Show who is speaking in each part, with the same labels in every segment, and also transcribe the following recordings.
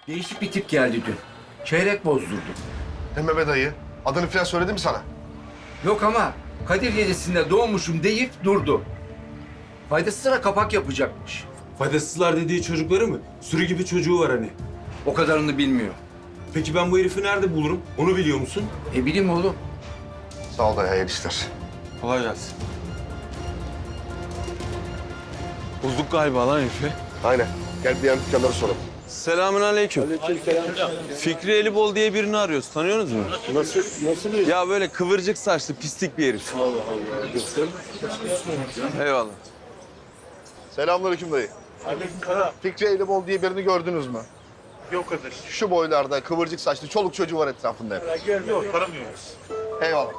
Speaker 1: Değişik bir tip geldi dün. Çeyrek bozdurdu.
Speaker 2: Deme be dayı. Adını falan söyledi mi sana?
Speaker 1: Yok ama Kadir Gecesi'nde doğmuşum deyip durdu. Faydasızlara kapak yapacakmış.
Speaker 3: Faydasızlar dediği çocukları mı? Sürü gibi çocuğu var hani.
Speaker 1: O kadarını bilmiyor.
Speaker 3: Peki ben bu herifi nerede bulurum? Onu biliyor musun?
Speaker 1: Bileyim oğlum.
Speaker 2: Sağ ol dayı, hayırlı işler.
Speaker 3: Kolay gelsin. Bulduk galiba lan herifi.
Speaker 2: Aynen. Gel bir yan dükkanları soralım.
Speaker 4: Selamünaleyküm. Fikri Elibol diye birini arıyoruz. Tanıyorsunuz mu? Nasıl? Ya böyle kıvırcık saçlı pislik bir herif. Eyvallah.
Speaker 2: Selamünaleyküm dayı.
Speaker 5: Aleykümselam.
Speaker 2: Fikri Eylebol diye birini gördünüz mü?
Speaker 5: Yok Kadir.
Speaker 2: Şu boylarda, kıvırcık saçlı, çoluk çocuğu var etrafında hep.
Speaker 5: Yok tanımıyoruz.
Speaker 2: Eyvallah.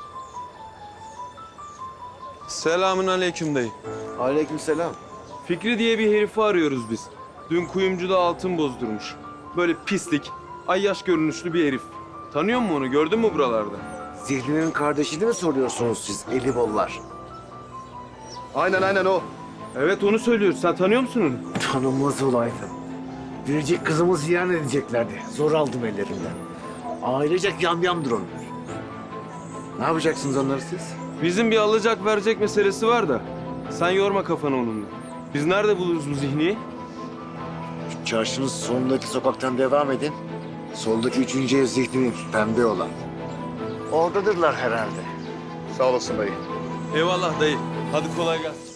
Speaker 4: Selamünaleyküm dayı.
Speaker 6: Aleykümselam.
Speaker 4: Fikri diye bir herifi arıyoruz biz. Dün kuyumcuda altın bozdurmuş. Böyle pislik, ayyaş görünüşlü bir herif. Tanıyor musun onu? Gördün mü buralarda?
Speaker 6: Zihni'nin kardeşini mi soruyorsunuz siz Elibollar?
Speaker 2: Aynen o.
Speaker 4: Evet onu söylüyoruz. Sen tanıyor musun onu?
Speaker 6: Tanınmaz olaydı. Biricik kızımı ziyan edeceklerdi. Zor aldım ellerinden. Ailecek yamyamdır onlar. Ne yapacaksınız onları siz?
Speaker 4: Bizim bir alacak verecek meselesi var da. Sen yorma kafanı onunla. Biz nerede buluruz bu zihniyi?
Speaker 6: Şu çarşının sonundaki sokaktan devam edin. Soldaki 3. ev Zihni'nin pembe olan. Oradadırlar herhalde.
Speaker 2: Sağ olasın dayı.
Speaker 4: Eyvallah dayı. Hadi kolay gelsin.